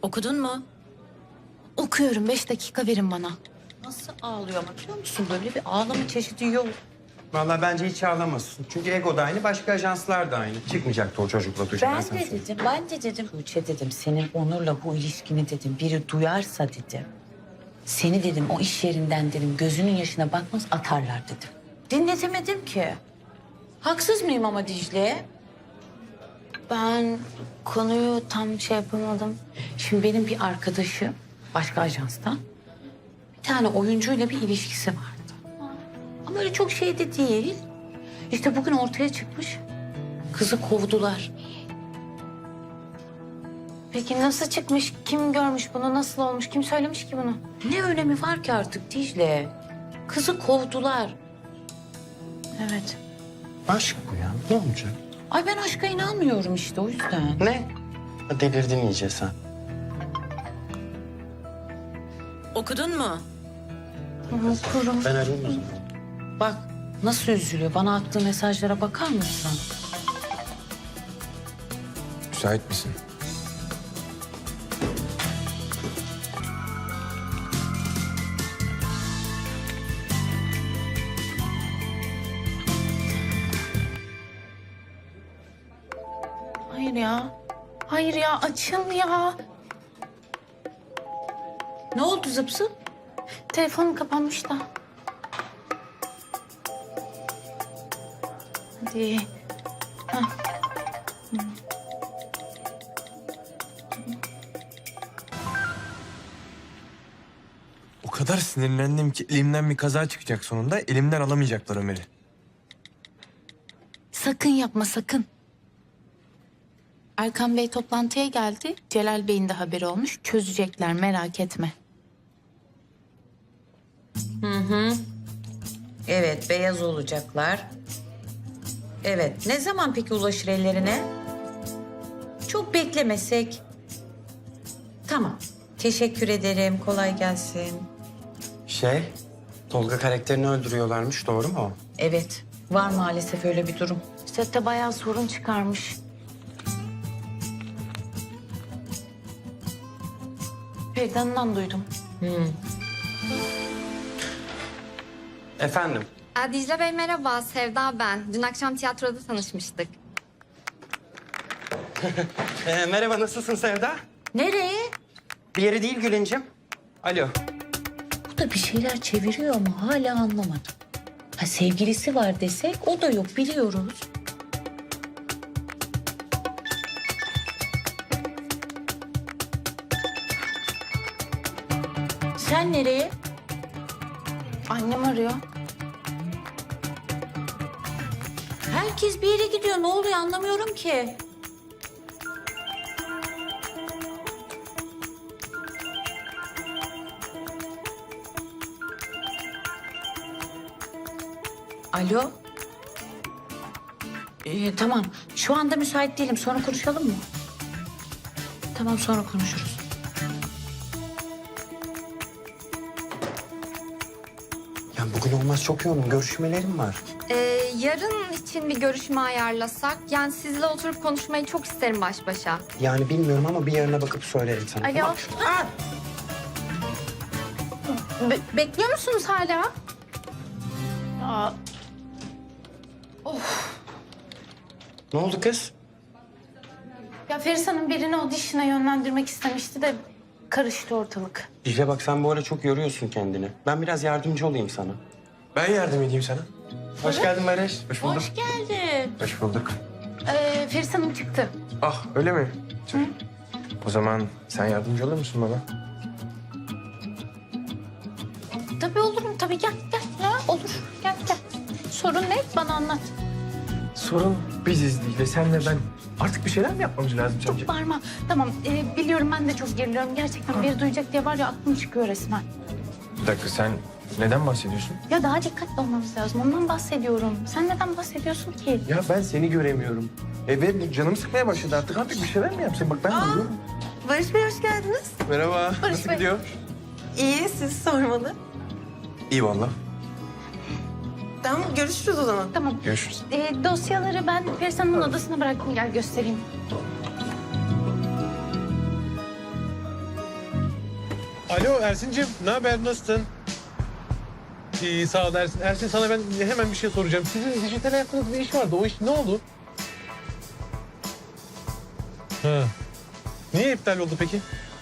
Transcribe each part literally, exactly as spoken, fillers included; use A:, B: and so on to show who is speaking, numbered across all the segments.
A: Okudun mu?
B: Okuyorum. Beş dakika verin bana.
A: Nasıl ağlıyor ama biliyor musun? Böyle bir ağlama çeşidi yok.
C: Vallahi bence hiç ağlamasın. Çünkü Ego da aynı, başka ajanslar da aynı. Çıkmayacaktı o çocukla Tuğçe.
A: Ben
C: sana
A: de
C: söyleyeyim.
A: dedim, ben de dedim. Tuğçe dedim, senin Onur'la bu ilişkini dedim, biri duyarsa dedim. Seni dedim, o iş yerinden dedim, gözünün yaşına bakmaz atarlar dedim. Dinletemedim ki. Haksız mıyım ama Dicle?
B: Ben konuyu tam şey yapamadım.
A: Şimdi benim bir arkadaşım başka ajanstan bir tane oyuncuyla bir ilişkisi vardı. Ama öyle çok şey de değil. İşte bugün ortaya çıkmış. Kızı kovdular.
B: Peki nasıl çıkmış? Kim görmüş bunu? Nasıl olmuş? Kim söylemiş ki bunu?
A: Ne önemi var ki artık Dicle? Kızı kovdular.
B: Evet.
C: Aşk bu ya. Ne olacak?
A: Ay ben aşka inanmıyorum işte o yüzden.
C: Ne? Ha, delirdin iyice sen.
A: Okudun mu?
B: Okurum.
C: Ben arayayım o zaman.
A: Bak nasıl üzülüyor. Bana attığı mesajlara bakar mısın?
D: Müsait misin?
B: Hayır ya. Hayır ya. Açıl ya.
A: Ne oldu zıp zıp?
B: Telefonum kapanmış da. Hadi. Hah.
D: O kadar sinirlendim ki elimden bir kaza çıkacak sonunda. Elimden alamayacaklar Ömer'i.
B: Sakın yapma sakın. Erkan Bey toplantıya geldi. Celal Bey'in de haberi olmuş. Çözecekler merak etme.
A: Evet beyaz olacaklar. Evet ne zaman peki ulaşır ellerine? Çok beklemesek. Tamam. Teşekkür ederim. Kolay gelsin.
C: Şey, Tolga karakterini öldürüyorlarmış. Doğru mu o?
A: Evet. Var maalesef öyle bir durum.
B: Sette bayağı sorun çıkarmış. Peridan'dan duydum.
C: Efendim?
E: Aa, Dicle Bey merhaba, Sevda ben. Dün akşam tiyatroda tanışmıştık.
C: Ee, merhaba, nasılsın Sevda?
A: Nereye?
C: Bir yere değil Gülüncüm. Alo.
A: Bu da bir şeyler çeviriyor ama hala anlamadım. Ha sevgilisi var desek o da yok biliyoruz. Sen nereye?
B: Annem arıyor.
A: Herkes bir yere gidiyor. Ne oluyor anlamıyorum ki. Alo. Ee, tamam. Şu anda müsait değilim. Sonra konuşalım mı? Tamam sonra konuşuruz.
C: Ya bugün olmaz, çok yoğunum. Görüşmelerim var.
E: Ee, yarın için bir görüşme ayarlasak, yani sizle oturup konuşmayı çok isterim baş başa.
C: Yani bilmiyorum ama bir yarına bakıp söylerim sana.
B: Alo.
C: Tamam.
B: Be- bekliyor musunuz hala? Ya,
C: Ne oldu kız?
B: ya Feris Hanım birini audition'a yönlendirmek istemişti de karıştı ortalık.
C: Dicle bak, sen bu ara çok yoruyorsun kendini. Ben biraz yardımcı olayım sana.
D: Ben yardım edeyim sana.
C: Hoş geldin Barış.
D: Hoş bulduk.
A: Hoş geldin.
D: Hoş bulduk.
B: Ee, Feris Hanım çıktı.
D: Ah öyle mi? Tüh. O zaman sen yardımcı olur musun bana?
B: Tabii olurum tabii gel gel. Ya, olur gel gel. Sorun ne? Bana anlat.
D: Sorun biziz değil de senle ben. Artık bir şeyler mi yapmamız lazım sence?
B: Çok bağırma. Tamam ee, biliyorum ben de çok geriliyorum. Gerçekten biri duyacak diye var ya aklım çıkıyor resmen.
D: Bir dakika sen neden bahsediyorsun?
B: Ya daha dikkatli olmamız lazım. Ondan bahsediyorum. Sen neden bahsediyorsun ki?
D: Ya ben seni göremiyorum. E ve canım sıkmaya başladı artık. Artık bir şeyler mi yapsın? Bak ben de uyuyorum.
F: Barış Bey hoş geldiniz.
D: Merhaba.
B: Barış
D: Nasıl
B: Bey.
D: gidiyor?
F: İyi, siz sormalı.
D: İyi valla.
F: Tamam, görüşürüz o zaman.
B: Tamam.
D: Görüşürüz.
B: Ee, dosyaları ben Feris Hanım'ın odasına bıraktım. Gel göstereyim.
G: Alo Ersin'cim, ne haber, nasılsın? İyi, sağ ol Ersin. Ersin, sana ben hemen bir şey soracağım. Sizin dijital hayatınızda bir iş vardı, o iş ne oldu? Ha. Niye iptal oldu peki?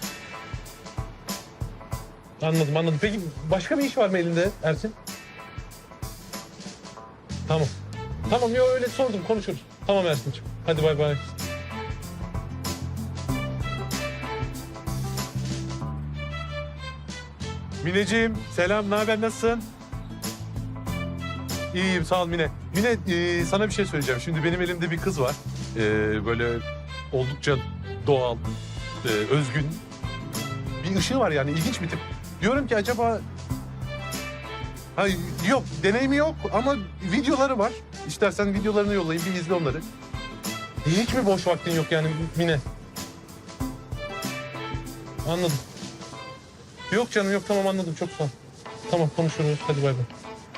G: Anladım, anladım. Peki başka bir iş var mı elinde Ersin? Tamam. Tamam, yok öyle sordum, konuşuruz. Tamam Ersin'cim, hadi bay bay. Mineciğim, selam, ne haber, nasılsın? İyiyim, sağ ol Mine. Mine, e, sana bir şey söyleyeceğim. Şimdi benim elimde bir kız var. E, böyle oldukça doğal, e, özgün. Bir ışığı var yani, ilginç bir tip. Diyorum ki acaba... Ha, yok, deneyimi yok ama videoları var. İstersen videolarını yollayayım, bir izle onları. Hiç mi boş vaktin yok yani Mine? Anladım. Yok canım yok, tamam anladım, çok sağ ol. Tamam konuşuruz, hadi bay bay.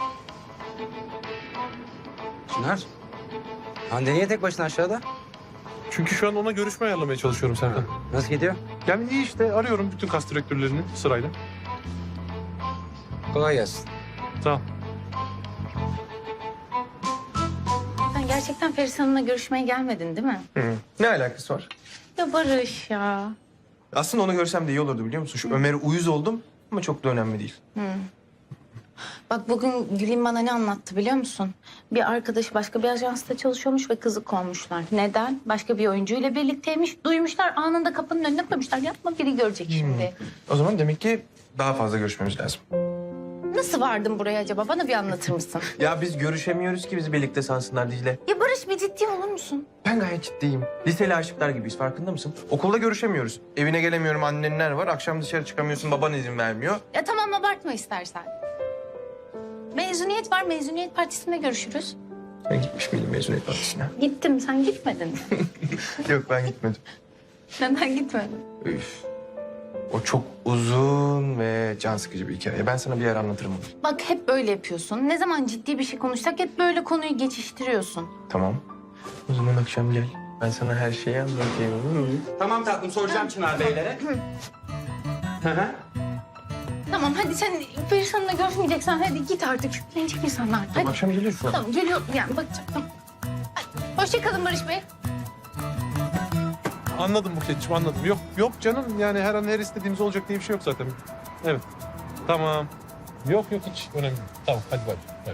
C: Çınar. Hande niye tek başına aşağıda?
G: Çünkü şu an ona görüşme ayarlamaya çalışıyorum Serkan.
C: Nasıl gidiyor?
G: Yani iyi işte, arıyorum bütün kas direktörlerini sırayla.
C: Kolay gelsin.
G: Sağ ol.
B: Sen gerçekten Feris Hanım'la görüşmeye gelmedin değil mi?
D: Ne alakası var?
B: Ya Barış ya.
D: Aslında onu görsem de iyi olurdu biliyor musun? Şu Ömer'e uyuz oldum ama çok da önemli değil.
B: Bak bugün Gül'ün bana ne anlattı biliyor musun? Bir arkadaşı başka bir ajansta çalışıyormuş ve kızı kovmuşlar. Neden? Başka bir oyuncuyla birlikteymiş. Duymuşlar, anında kapının önüne koymuşlar. Yapma, biri görecek şimdi.
D: O zaman demek ki daha fazla görüşmemiz lazım.
B: Nasıl vardın buraya acaba? Bana bir anlatır mısın?
D: Ya biz görüşemiyoruz ki bizi birlikte sansınlar Dicle.
B: Ya Barış, bir ciddi olur musun?
D: Ben gayet ciddiyim. Liseli aşıklar gibiyiz, farkında mısın? Okulda görüşemiyoruz. Evine gelemiyorum, annenler var. Akşam dışarı çıkamıyorsun, baban izin vermiyor.
B: Ya tamam, abartma istersen. Mezuniyet var, mezuniyet partisinde görüşürüz.
D: Ben gitmiş miydim mezuniyet partisine?
B: Gittim, sen gitmedin mi?
D: Yok, ben gitmedim.
B: Neden gitmedin?
D: Üf. O çok uzun ve can sıkıcı bir hikaye. Ben sana bir yer anlatırım onu.
B: Bak hep böyle yapıyorsun. Ne zaman ciddi bir şey konuşsak hep böyle konuyu geçiştiriyorsun.
D: Tamam. O zaman akşam gel. Ben sana her şeyi anlatayım. Olur mu?
C: Tamam tatlım, soracağım Çınar Beylere. Hı hı.
B: Tamam hadi, sen Feris Hanım'la görüşmeyeceksen hadi git artık. Şüphelenecek insanlar. Hadi.
D: Akşam geliyorsun.
B: Tamam geliyor, yani bakacağım. Tamam. Hadi. Hoşça kalın Barış Bey.
G: Anladım Buket'ciğim, anladım. Yok yok canım, yani her an her istediğimiz olacak diye bir şey yok zaten. Evet, tamam. Yok yok, hiç önemli değil. Tamam, hadi bay bay.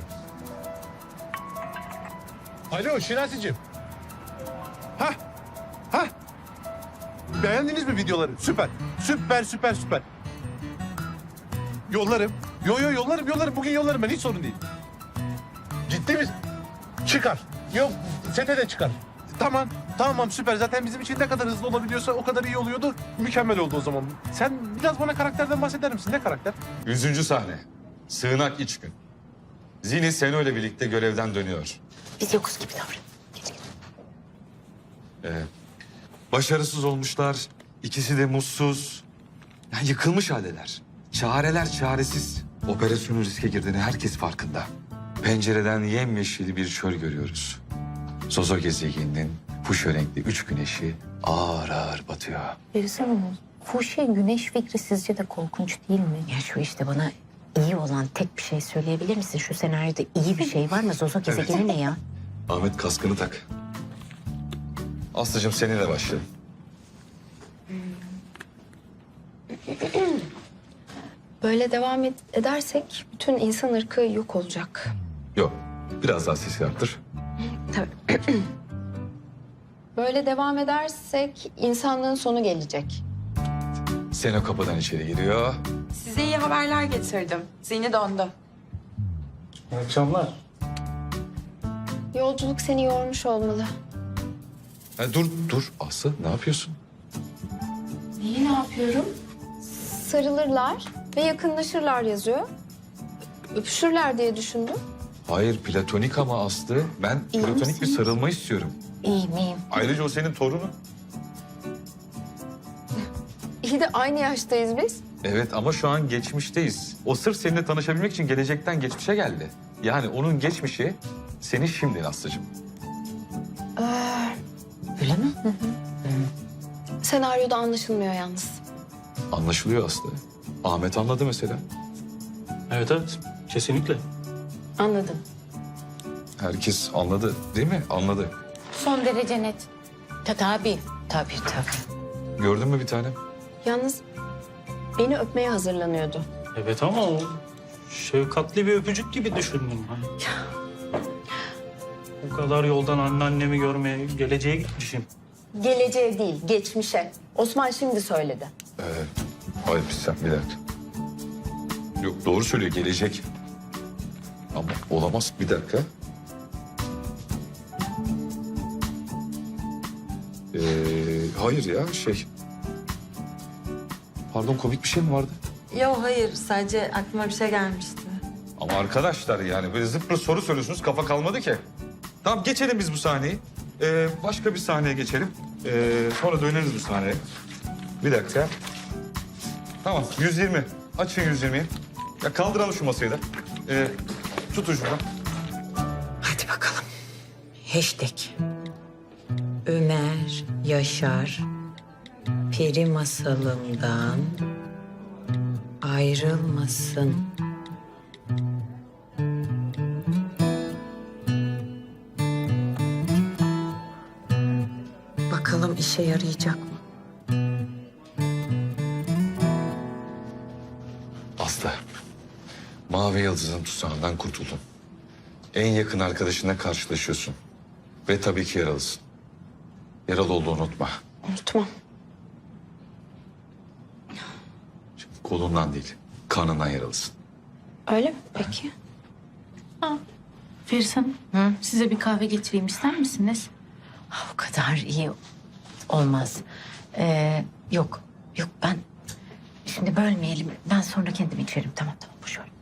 G: Alo Şinasi'cim. Hah, hah. Beğendiniz mi videoları? Süper, süper, süper, süper. Yollarım. Yo yo yollarım, yollarım. Bugün yollarım ben, hiç sorun değil. Ciddi misin? Çıkar. Yok, sete de çıkar. Tamam, tamam süper. Zaten bizim için ne kadar hızlı olabiliyorsa o kadar iyi oluyordu. Mükemmel oldu o zaman. Sen biraz bana karakterden bahseder misin? Ne karakter?
H: Yüzüncü sahne. Sığınak iç gün. Zini Seno ile birlikte görevden dönüyor.
B: Biz yokuz gibi davran. Geç geç.
H: Ee, başarısız olmuşlar. İkisi de mutsuz. Yani yıkılmış haldeler. Çareler çaresiz. Operasyonun riske girdiğini herkes farkında. Pencereden yemyeşil bir çöl görüyoruz. Zozo gezegeninin fuşya renkli üç güneşi ağır ağır batıyor.
A: Feris Hanım, fuşya güneş fikri sizce de korkunç değil mi? Ya şu işte bana iyi olan tek bir şey söyleyebilir misin? Şu senaryoda iyi bir şey var mı? Zozo gezegeni ne ya?
H: Ahmet kaskını tak. Aslıcığım seninle başlayalım.
E: Böyle devam ed- edersek bütün insan ırkı yok olacak.
H: Yok, biraz daha sesi arttır.
E: Böyle devam edersek insanlığın sonu gelecek.
H: Seno kapıdan içeri giriyor.
F: Size iyi haberler getirdim. Zihni döndü.
C: Akşamlar.
E: Yolculuk seni yormuş olmalı.
H: Ha, dur, dur. Aslı ne yapıyorsun?
B: İyi, ne yapıyorum?
E: Sarılırlar ve yakınlaşırlar yazıyor. Öpüşürler diye düşündüm.
H: Hayır, platonik ama Aslı. Ben
B: İyi
H: platonik bir
B: misiniz?
H: sarılma istiyorum.
B: İyiyim, iyiyim.
H: Ayrıca o senin torunun.
E: İyi de aynı yaştayız biz.
H: Evet ama şu an geçmişteyiz. O sırf seninle tanışabilmek için gelecekten geçmişe geldi. Yani onun geçmişi senin şimdin Aslı'cığım.
A: Öyle mi?
E: Senaryoda anlaşılmıyor yalnız.
H: Anlaşılıyor Aslı. Ahmet anladı mesela.
I: Evet evet kesinlikle.
B: Anladım.
H: Herkes anladı değil mi? Anladı.
B: Son derece net.
A: Ta, tabii, tabii, tabii.
H: Gördün mü bir tanem?
J: Yalnız beni öpmeye hazırlanıyordu.
I: Evet ama o şefkatli bir öpücük gibi düşündüm. Hani. O kadar yoldan anneannemi görmeye, geleceğe gitmişim.
J: Geleceğe değil, geçmişe. Osman şimdi söyledi.
H: Ee, hayır bir sen bir dakika. Yok doğru söylüyor gelecek. Ama olamaz bir dakika. Ee, hayır ya şey. Pardon komik bir şey mi vardı?
F: Yok hayır, sadece aklıma bir şey gelmişti.
H: Ama arkadaşlar yani böyle zıpır soru soruyorsunuz kafa kalmadı ki. Tamam geçelim biz bu sahneyi. Ee, başka bir sahneye geçelim. Ee, sonra döneriz bu sahneye. Bir dakika. Tamam yüz yirmi. Açın yüz yirmiyi. Ya kaldıralım şu masayı da. Ee, tutun şuradan.
A: Hadi bakalım. Hashtag. Ömer Yaşar peri masalımdan ayrılmasın. Bakalım işe yarayacak mı?
H: Aslı. Mavi Yıldız'ın tuzağından kurtuldun. En yakın arkadaşınla karşılaşıyorsun. Ve tabii ki yaralısın. Yaralı olduğunu unutma.
J: Unutmam.
H: Kolundan değil, karnından yaralısın.
J: Öyle mi peki?
B: Feris Hanım, size bir kahve getireyim ister misiniz?
A: Ah, o kadar iyi olmaz. Ee, yok, yok ben... Şimdi bölmeyelim. Ben sonra kendim içerim. Tamam, tamam. Boş ver.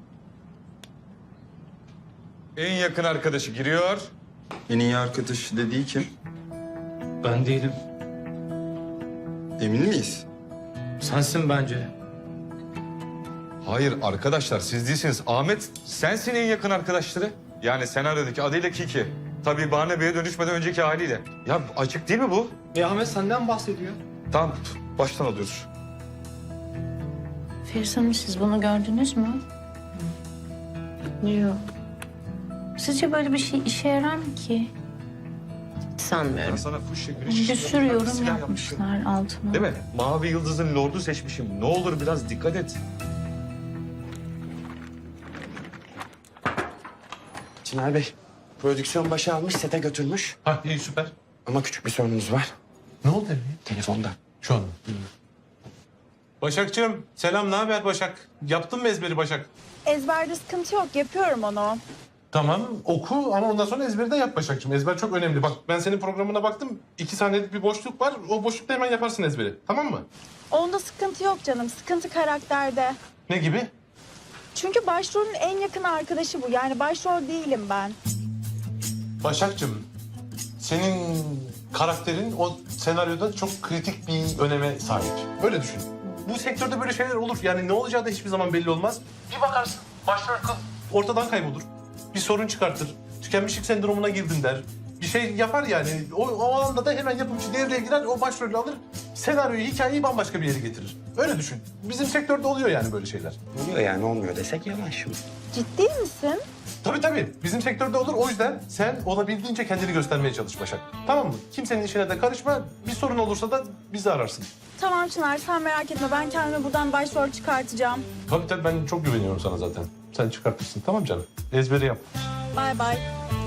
H: En yakın arkadaşı giriyor.
D: En iyi arkadaş dediği kim?
I: Ben değilim.
D: Emin miyiz?
I: Sensin bence.
H: Hayır arkadaşlar siz değilsiniz. Ahmet sensin en yakın arkadaşları. Yani senaryodaki adıyla Kiki. Tabii Bahane Bey'e dönüşmeden önceki haliyle. Ya açık değil mi bu?
I: E Ahmet senden bahsediyor.
H: Tamam baştan alıyoruz.
B: Feris Hanım, siz bunu gördünüz mü? Yok. Sizce böyle bir şey işe yarar mı ki?
J: Sanmıyorum.
H: Ben sana fuşya güneş
B: Bir sürü yorum
H: silah
B: yapmışlar altına.
H: Değil mi? Mavi Yıldız'ın lordu seçmişim. Ne olur biraz dikkat et.
C: Çınar Bey, prodüksiyon başı almış, sete götürmüş.
G: Ha iyi süper.
C: Ama küçük bir sorunumuz var.
G: Ne oldu Emre?
C: Telefonda.
G: Şu an. Başakçığım selam ne haber Başak? Yaptın mı ezberi Başak?
K: Ezberde sıkıntı yok. Yapıyorum onu.
G: Tamam oku ama ondan sonra ezberi de yap Başakçığım. Ezber çok önemli. Bak ben senin programına baktım. İki saniyelik bir boşluk var. O boşlukta hemen yaparsın ezberi. Tamam mı?
K: Onda sıkıntı yok canım. Sıkıntı karakterde.
G: Ne gibi?
K: Çünkü başrolün en yakın arkadaşı bu. Yani başrol değilim ben.
G: Başakçığım senin karakterin o senaryoda çok kritik bir öneme sahip. Öyle düşün. Bu sektörde böyle şeyler olur. Yani ne olacağı da hiçbir zaman belli olmaz. Bir bakarsın başrol kız ortadan kaybolur. Bir sorun çıkartır. Tükenmişlik sendromuna girdin der. Bir şey yapar yani. O, o anda da hemen yapımcı devreye girer, o başrolü alır. Senaryoyu, hikayeyi bambaşka bir yere getirir. Öyle düşün. Bizim sektörde oluyor yani böyle şeyler.
C: Oluyor yani olmuyor desek yalan şimdi.
K: Ciddi misin?
G: Tabii tabii. Bizim sektörde olur. O yüzden sen olabildiğince kendini göstermeye çalış Başak. Tamam mı? Kimsenin işine de karışma. Bir sorun olursa da bizi ararsın.
K: Tamam Çınar, sen merak etme. Ben kendime buradan başrol çıkartacağım.
G: Tabii tabii ben çok güveniyorum sana zaten. Sen çıkartırsın. Tamam canım. Ezberi yap.
K: Bay bay.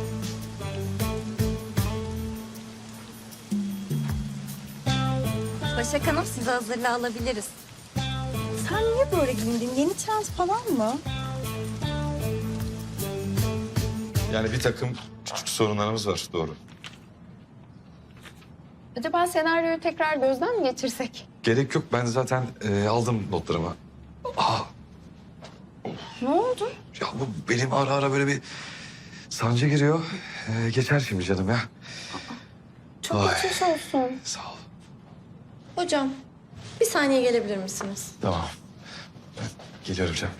E: Başak Hanım sizi hazırlığa alabiliriz.
K: Sen niye böyle giyindin? Yeni trend falan mı?
H: Yani bir takım küçük sorunlarımız var doğru.
J: Acaba senaryoyu tekrar gözden mi geçirsek?
H: Gerek yok ben zaten e, aldım notlarımı. Aa,
J: Ne oldu?
H: ya bu benim ara ara böyle bir sancı giriyor. E, geçer şimdi canım ya.
J: Çok
H: Ay.
J: geçmiş olsun.
H: Sağ ol.
J: Hocam bir saniye gelebilir misiniz?
H: Tamam. Ben geliyorum canım.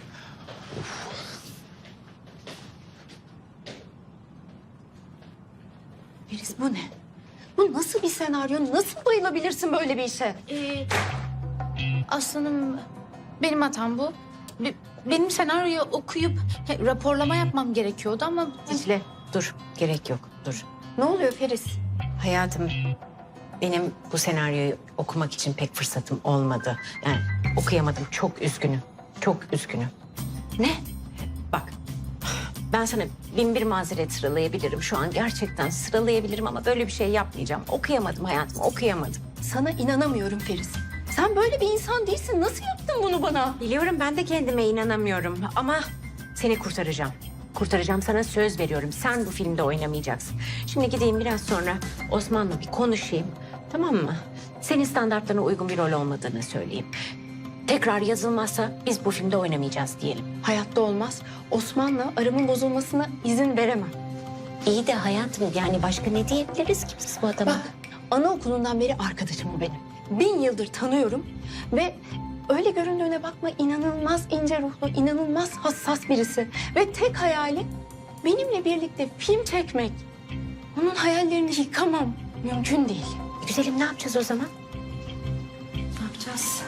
J: Feris bu ne? Bu nasıl bir senaryo? Nasıl bayılabilirsin böyle bir işe?
B: Ee, Aslanım, Benim hatam bu. Be- Benim senaryoyu okuyup he, raporlama yapmam gerekiyordu ama...
L: Dicle dur, gerek yok, dur.
J: Ne oluyor Feris?
L: Hayatım, benim bu senaryoyu okumak için pek fırsatım olmadı. Yani okuyamadım, çok üzgünüm, çok üzgünüm.
B: Ne?
L: Bak, ben sana bin bir mazeret sıralayabilirim. Şu an gerçekten sıralayabilirim ama böyle bir şey yapmayacağım. Okuyamadım hayatım, okuyamadım.
J: Sana inanamıyorum Feris. Sen böyle bir insan değilsin. Nasıl yaptın bunu bana?
L: Biliyorum, ben de kendime inanamıyorum ama seni kurtaracağım. Kurtaracağım, sana söz veriyorum. Sen bu filmde oynamayacaksın. Şimdi gideyim biraz sonra Osman'la bir konuşayım. Tamam mı? Senin standartlarına uygun bir rol olmadığını söyleyeyim. Tekrar yazılmazsa biz bu filmde oynamayacağız diyelim.
J: Hayatta olmaz. Osman'la aramın bozulmasına izin veremem.
L: İyi de hayatım, yani başka ne diyebiliriz ki biz bu adama?
J: Bak, anaokulundan beri arkadaşım o benim. Bin yıldır tanıyorum ve öyle göründüğüne bakma, inanılmaz ince ruhlu, inanılmaz hassas birisi. Ve tek hayali benimle birlikte film çekmek. Onun hayallerini yıkamam. Mümkün değil.
L: Güzelim, ne yapacağız o zaman?
J: Ne yapacağız?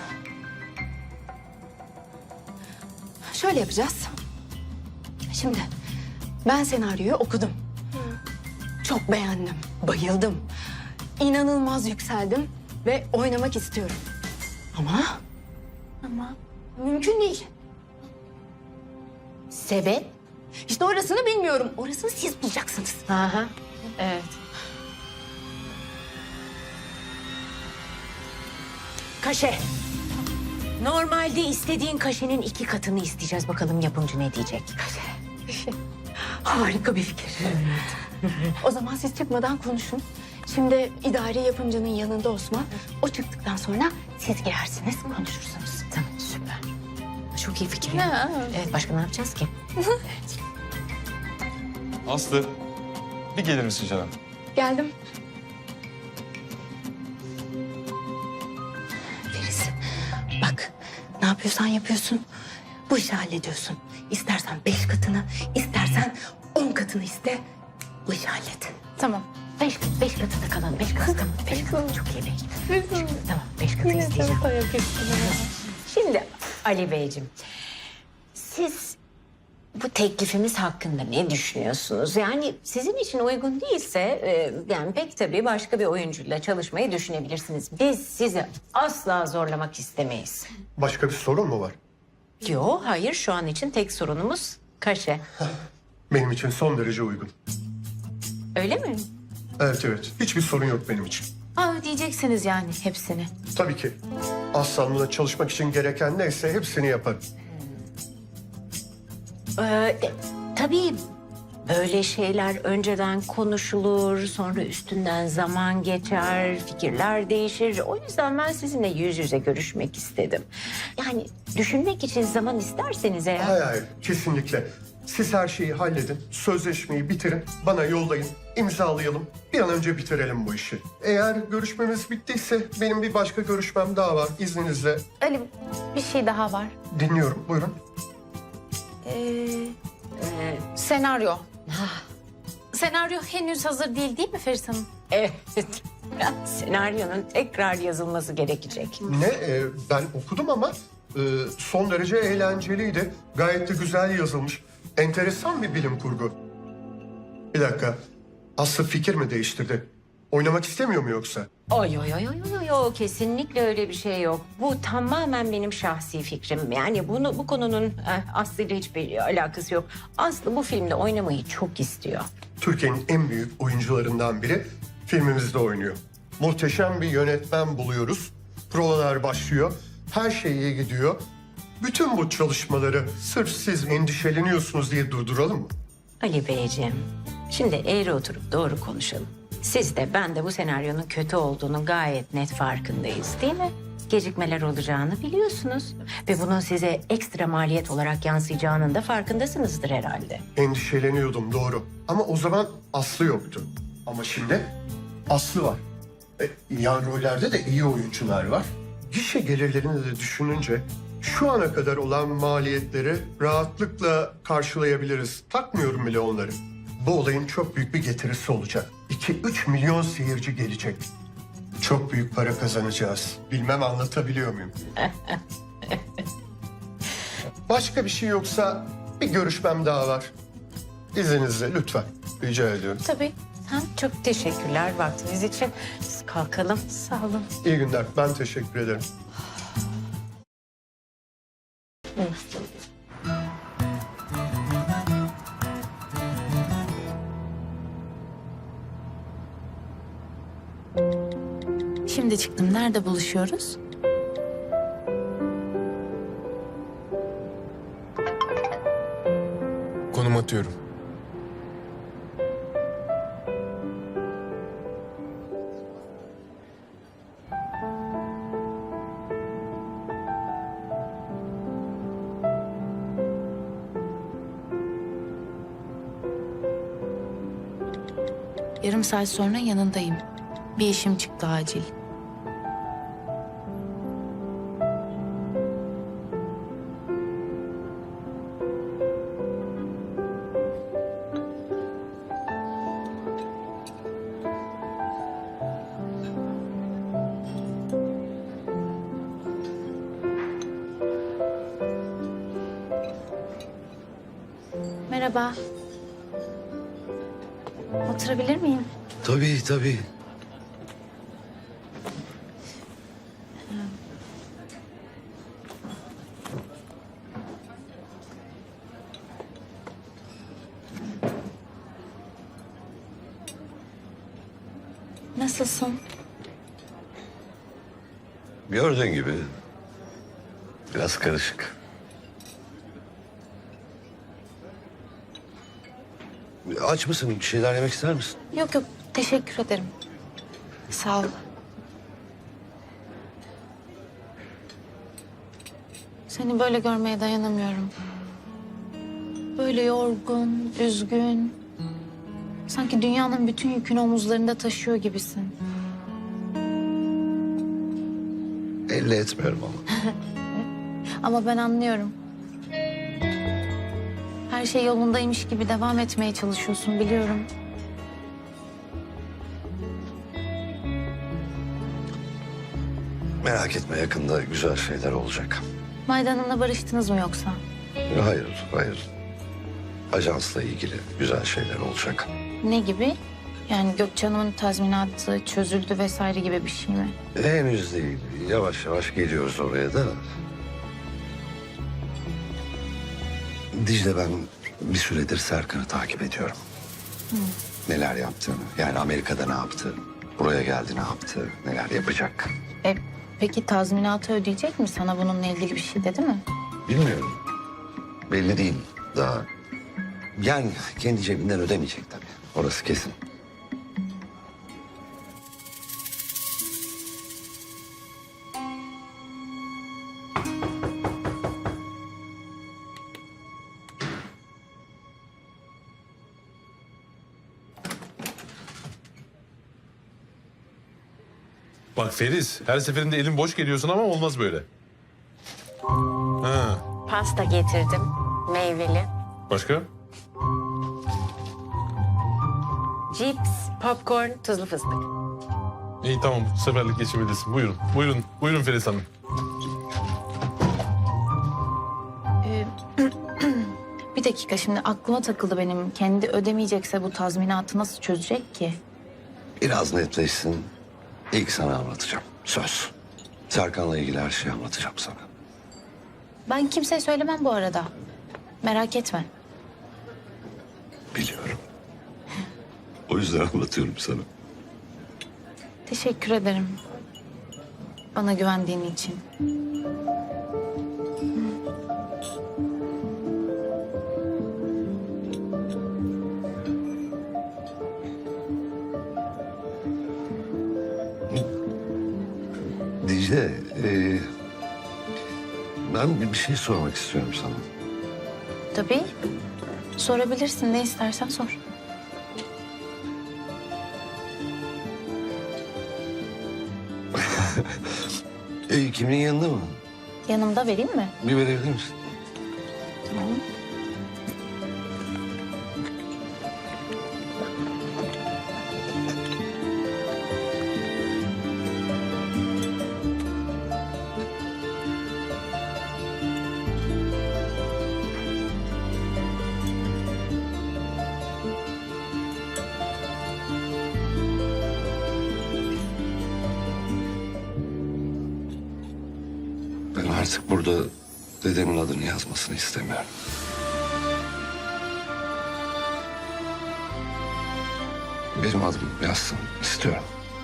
J: Şöyle yapacağız. Şimdi ben senaryoyu okudum. Çok beğendim, bayıldım. İnanılmaz yükseldim ve oynamak istiyorum. Ama
B: Ama
J: mümkün değil.
L: Sebep?
J: İşte orasını bilmiyorum. Orasını siz bulacaksınız.
L: Aha, evet. Kaşe. Normalde istediğin kaşenin iki katını isteyeceğiz. Bakalım yapımcı ne diyecek?
J: Harika bir fikir. O zaman siz çıkmadan konuşun. Şimdi idari yapımcının yanında Osman. O çıktıktan sonra siz girersiniz, konuşursunuz.
L: Tamam, süper. Çok iyi fikir.
B: Ya.
L: Evet, başka ne yapacağız ki?
H: Aslı, bir gelir misin canım?
J: Geldim. Feris, bak ne yapıyorsan yapıyorsun. Bu işi hallediyorsun. İstersen beş katını, istersen on katını iste. Bu işi hallet.
B: tamam.
L: Beş, beş katı da kalalım. Beş katı tamam. Beş katı çok iyi. Beş. Tamam, beş katı isteyeceğim. Şimdi Ali Beyciğim, siz bu teklifimiz hakkında ne düşünüyorsunuz? Yani sizin için uygun değilse, e, yani pek tabii başka bir oyuncuyla çalışmayı düşünebilirsiniz. Biz sizi asla zorlamak istemeyiz.
M: Başka bir sorun mu var?
L: Yok, hayır. Şu an için tek sorunumuz kaşe.
M: Benim için son derece uygun.
L: Öyle mi?
M: Evet evet. Hiçbir sorun yok benim için.
B: Aa, ödeyeceksiniz yani hepsini.
M: Tabii ki. Aslanlı'da çalışmak için gereken neyse hepsini yaparım.
L: Ee, e, tabii böyle şeyler önceden konuşulur, sonra üstünden zaman geçer, fikirler değişir. O yüzden ben sizinle yüz yüze görüşmek istedim. Yani düşünmek için zaman isterseniz eğer...
M: Hayır hayır. Kesinlikle. Siz her şeyi halledin. Sözleşmeyi bitirin. Bana yollayın. İmzalayalım. Bir an önce bitirelim bu işi. Eğer görüşmemiz bittiyse benim bir başka görüşmem daha var. İzninizle.
B: Ali, bir şey daha var.
M: Dinliyorum. Buyurun.
B: Ee, senaryo. Senaryo henüz hazır değil değil mi Feris Hanım?
L: Evet. Senaryonun tekrar yazılması gerekecek.
M: Ne? Ee, ben okudum ama e, son derece eğlenceliydi. Gayet de güzel yazılmış. Enteresan bir bilim kurgu. Bir dakika. Aslı fikir mi değiştirdi? Oynamak istemiyor mu yoksa?
L: Oy oy oy oy oy oy, kesinlikle öyle bir şey yok. Bu tamamen benim şahsi fikrim. Yani bunu bu konunun eh, Aslı ile hiçbir alakası yok. Aslı bu filmde oynamayı çok istiyor.
M: Türkiye'nin en büyük oyuncularından biri filmimizde oynuyor. Muhteşem bir yönetmen buluyoruz. Provalar başlıyor. Her şey iyi gidiyor. Bütün bu çalışmaları sırf siz endişeleniyorsunuz diye durduralım mı?
L: Ali Beyciğim, şimdi eğri oturup doğru konuşalım. Siz de ben de bu senaryonun kötü olduğunu gayet net farkındayız, değil mi? Gecikmeler olacağını biliyorsunuz. Ve bunun size ekstra maliyet olarak yansıyacağının da farkındasınızdır herhalde.
M: Endişeleniyordum doğru. Ama o zaman Aslı yoktu. Ama şimdi Aslı var. E, yan rollerde de iyi oyuncular var. Gişe gelirlerini de düşününce şu ana kadar olan maliyetleri rahatlıkla karşılayabiliriz. Takmıyorum bile onları. Bu olayın çok büyük bir getirisi olacak. iki üç milyon seyirci gelecek. Çok büyük para kazanacağız. Bilmem anlatabiliyor muyum? Başka bir şey yoksa bir görüşmem daha var. İzninizle lütfen. Rica ediyorum.
L: Tabii. Ha, çok teşekkürler vaktiniz için. Biz kalkalım. Sağ olun.
M: İyi günler. Ben teşekkür ederim.
B: Şimdi çıktım. Nerede buluşuyoruz?
D: Konum atıyorum.
B: Yarım saat sonra yanındayım. Bir işim çıktı acil. Merhaba. Oturabilir miyim?
N: Tabii tabii.
B: Nasılsın?
N: Gördüğün gibi biraz karışık. Aç mısın? Bir şeyler yemek ister misin?
B: Yok yok, teşekkür ederim. Sağ ol. Seni böyle görmeye dayanamıyorum. Böyle yorgun, üzgün. Sanki dünyanın bütün yükünü omuzlarında taşıyor gibisin.
N: Belli etmiyorum ama.
B: Ama ben anlıyorum. Her şey yolundaymış gibi devam etmeye çalışıyorsun, biliyorum.
N: Merak etme, yakında güzel şeyler olacak.
B: Mayda Hanım'la barıştınız mı yoksa?
N: Hayır, hayır. Ajansla ilgili güzel şeyler olacak.
B: Ne gibi? Yani Gökçe Hanım'ın tazminatı çözüldü vesaire gibi bir şey mi?
N: Henüz değil. Yavaş yavaş geliyoruz oraya da. Dicle, ben bir süredir Serkan'ı takip ediyorum.
B: Hı.
N: Neler yaptığını, yani Amerika'da ne yaptı, buraya geldi ne yaptı, neler yapacak.
B: E, peki tazminatı ödeyecek mi? Sana bununla ilgili bir şey dedi mi?
N: Bilmiyorum. Belli değil daha. Yani kendi cebinden ödemeyecek tabii. Orası kesin.
G: Bak Feriz, her seferinde elin boş geliyorsun ama olmaz böyle. Ha,
L: Pasta getirdim. Meyveli.
G: başka?
L: Cips, popcorn, tuzlu fıstık.
G: İyi tamam, bu seferlik geçebilirsin. Buyurun, buyurun, buyurun Feriz Hanım.
B: Ee, bir dakika, şimdi aklıma takıldı benim. Kendi ödemeyecekse bu tazminatı nasıl çözecek ki?
N: Biraz netleşsin. İlk sana anlatacağım. Söz. Serkan'la ilgili her şeyi anlatacağım sana.
B: Ben kimseye söylemem bu arada. Merak etme.
N: Biliyorum. O yüzden anlatıyorum sana.
B: Teşekkür ederim. Bana güvendiğin için.
N: Dicle, e, ben bir bir şey sormak istiyorum sana.
B: Tabii. Sorabilirsin, ne istersen sor.
N: e, kimin yanında mı?
B: Yanımda, vereyim mi?
N: Bir verebilir misin?
B: Tamam.
N: artık burada dedemin adını yazmasını istemiyorum. Benim adım yazsın istiyorum.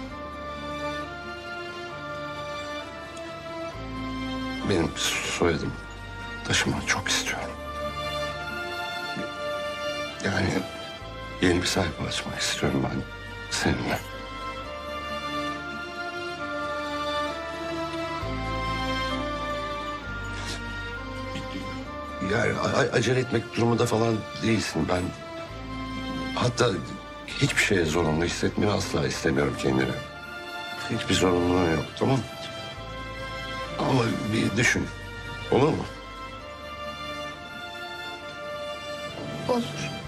N: Benim soyadım taşımak çok istiyorum. Yani yeni bir sayfa açmak istiyorum ben seninle. Yani a- acele etmek durumunda falan değilsin. Ben hatta hiçbir şeye zorunlu hissetmeni asla istemiyorum kendini. Hiçbir zorunluluğun yok, tamam mı? Ama bir düşün. Olur mu?
B: Olur.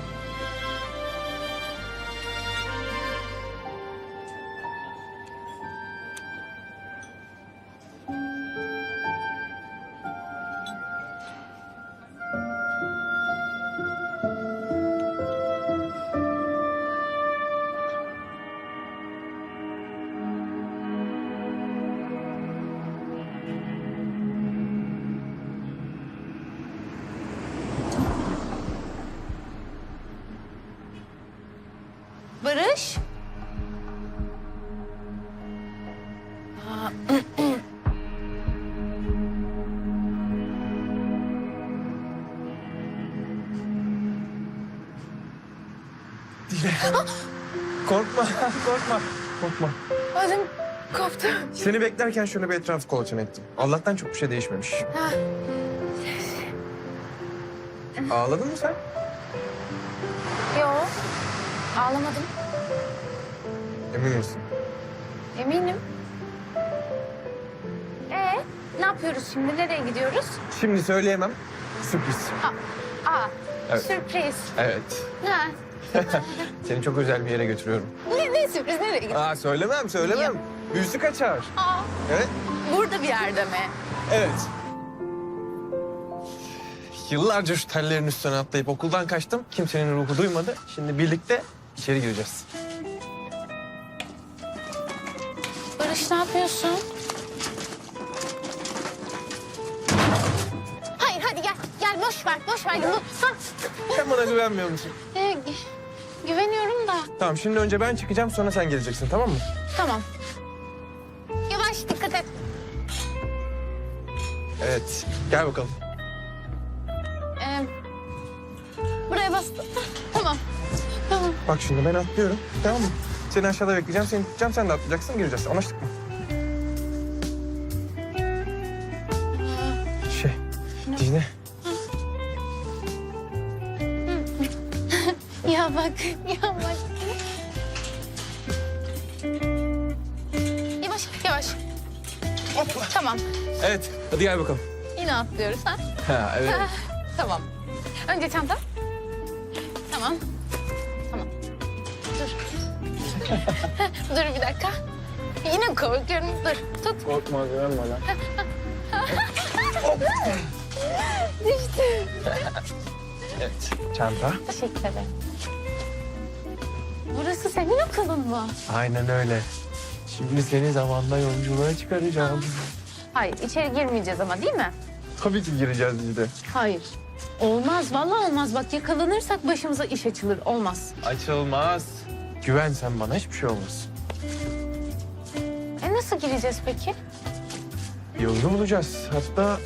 B: Barış. Aa,
D: Korkma, korkma, korkma.
B: ödüm koptu.
D: Seni beklerken şöyle bir etrafı kolaçan ettim. Allah'tan çok bir şey değişmemiş.
B: Ha.
D: Ağladın mı sen?
B: Yok. Ağlamadım.
D: Emin misin?
B: Eminim. Ee, ne yapıyoruz şimdi? Nereye gidiyoruz?
D: Şimdi söyleyemem. Sürpriz.
B: Aa,
D: Evet.
B: sürpriz.
D: Evet.
B: Ha.
D: Seni çok özel bir yere götürüyorum.
B: Ne, ne sürpriz? Nereye gidiyoruz?
D: Aa söylemem, söylemem. Büyüsü kaçar.
B: Aa,
D: Evet.
B: burada bir yerde mi?
D: Evet. Yıllarca şu tellerin üstüne atlayıp okuldan kaçtım. Kimsenin ruhu duymadı. Şimdi birlikte içeri gireceğiz.
B: Barış ne yapıyorsun? Hayır hadi gel. Gel boş ver. Boş ver. Bu- Ha.
D: Sen bana güvenmiyor musun?
B: Ee, gü- güveniyorum da.
D: Tamam şimdi önce ben çıkacağım sonra sen geleceksin tamam mı?
B: Tamam. Yavaş dikkat et.
D: Evet. Gel bakalım.
B: Ee, buraya bastım. Tamam. Tamam.
D: Bak şimdi ben atlıyorum tamam mı? Seni aşağıda bekleyeceğim, seni tutacağım, sen de atlayacaksın, gireceğiz. Anlaştık mı? Şey, Dicle.
B: Ya bak, ya bak. Yavaş, yavaş.
D: Hopla.
B: Tamam.
D: Evet, hadi gel bakalım.
B: Yine atlıyoruz ha?
D: Ha, evet.
B: Ha, tamam. Önce çanta. Tamam. Tamam. Dur. Dur bir dakika. Yine korkuyorum. Dur, tut.
D: Korkma, güvenme lan.
B: Düştü.
D: Evet, çanta.
B: Teşekkür ederim. Burası senin okulun mu?
D: Aynen öyle. Şimdi seni zamanla yolculuğa çıkaracağım.
B: Hayır, içeri girmeyeceğiz ama değil mi?
D: Tabii ki gireceğiz Dicle.
B: Hayır. Olmaz, vallahi olmaz. Bak yakalanırsak başımıza iş açılır. Olmaz.
D: Açılmaz. Güven sen bana, hiçbir şey olmaz.
B: E nasıl gireceğiz peki?
D: Yolunu bulacağız. Hatta...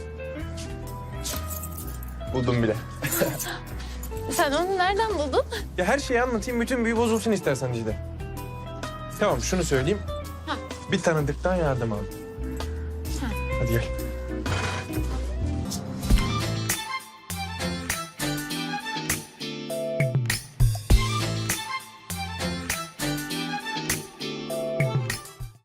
D: Buldum bile.
B: Sen onu nereden buldun?
D: Ya her şeyi anlatayım, bütün büyü bozulsun istersen Dicle. Tamam, şunu söyleyeyim.
B: Ha.
D: Bir tanıdıktan yardım aldım.
B: Ha.
D: Hadi gel.